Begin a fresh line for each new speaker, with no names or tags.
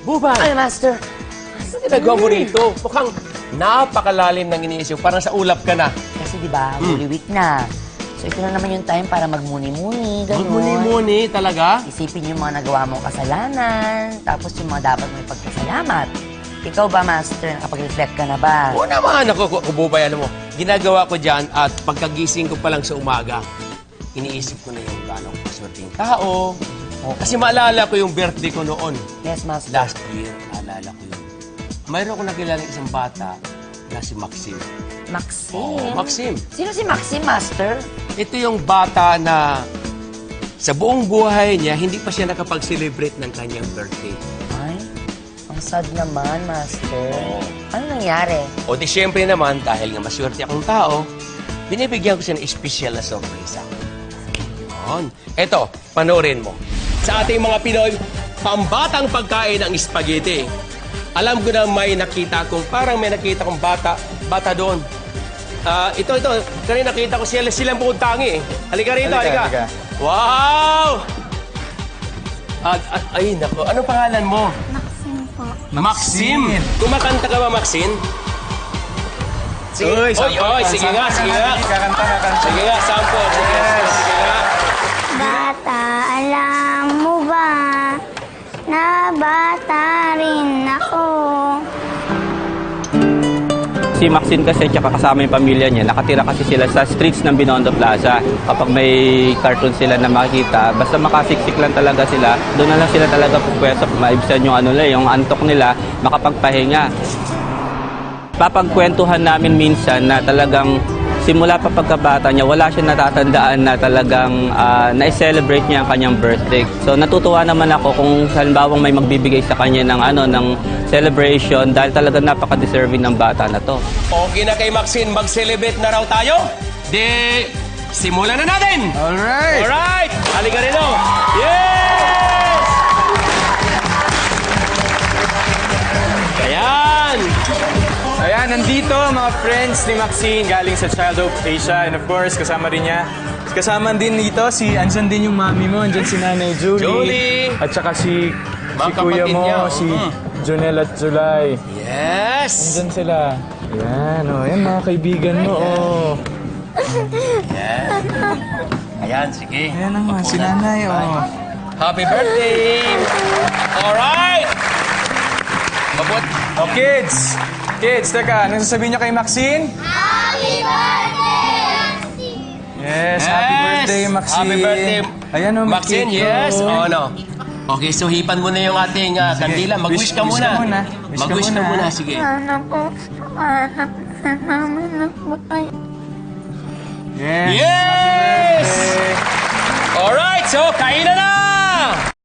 Bubay,
Ay, Master.
ano ginagawa mo rito? Mukhang napakalalim ng iniisip. Parang sa ulap ka na.
Kasi di ba, Holy Week na. So ito na naman yung time para magmuni-muni, gano'n.
Magmuni-muni talaga?
Isipin yung mga nagawa mong kasalanan, tapos yung mga dapat may pagpasalamat. Ikaw ba, Master, nakapag-reflect ka na ba?
Oo naman. Ako, Bubay, alam mo, ginagawa ko dyan at pagkagising ko pa lang sa umaga, iniisip ko na yung gano'ng kaswerteng tao. Kasi maalala ko yung birthday ko noon.
Yes, Master.
Last year, naalala ko yun. Mayroon ko nakilala isang bata na si Maxim.
Maxim.
Oo, Maxim.
Sino si Maxim, Master?
Ito yung bata na sa buong buhay niya, hindi pa siya nakapag-celebrate ng kanyang birthday.
Ay, ang sad naman, Master.
Oo.
Ano nangyari?
O di syempre naman, dahil nga maswerte akong tao, binibigyan ko siya ng espesyal na sorpresa. Yun. Eto, panoorin mo. Sa ating mga Pinoy, pambatang pagkain ang spaghetti. Alam ko na may nakita kong, parang may nakita kong bata doon. Ito. Kanina nakita ko silang bukod tangi eh. Halika rito, halika. Wow! Ay, nako. Anong pangalan mo?
Maxim po.
Maxim! Kumakanta ka ba, Maxim? Sige.
Uy,
Sige nga.
Kakanta.
Sige nga, sample. Sige nga.
Bata, alam mo ba na bata rin ako?
Si Maxine kasi tsaka kasama yung pamilya niya, nakatira kasi sila sa streets ng Binondo Plaza. Kapag may cartoon sila na makikita, basta makasiksik lang talaga sila, doon na lang sila talaga pupwesto, maibsan yung yung antok nila, makapagpahinga. Papagkwentuhan namin minsan na talagang simula pa pagkabata niya, wala siya natatandaan na talagang na-celebrate niya ang kanyang birthday. So natutuwa naman ako kung halimbawang may magbibigay sa kanya ng celebration dahil talagang napaka-deserving ng bata na to.
Okay na kay Maxine, mag-celebrate na raw tayo? Di, simulan na natin!
Alright!
Alright! Halika rin o! Yes! Ayan!
Ayan, nandito mga friends ni Maxine galing sa Child Hope Asia. And of course, kasama rin niya. Kasama din dito, andyan din yung mami mo, andyan si Nanay Julie.
Julie!
At saka si
Mga
kuya
kapatid
mo,
niya,
si Jonel at Zulay.
Yes!
Andyan sila. Ayan, yan mga kaibigan mo,
Ayan, sige.
Ayan naman, si
Mapunan.
Nanay,
Happy birthday! Alright! Mabot.
Oh, kids! Kids, teka, anong sasabihin niyo kay Maxine?
Happy birthday, Maxine!
Yes, happy birthday, Maxine.
Happy birthday,
Ayan, may
Maxine,
cake,
yes. Oh, no. Okay, so hipan mo na yung ating kandila. Mag-wish ka
wish
muna.
ka muna.
Mag-wish ka muna, sige.
Sana po, anak sa namin nagpatay.
Yes!
Yes! Alright, so kain na na!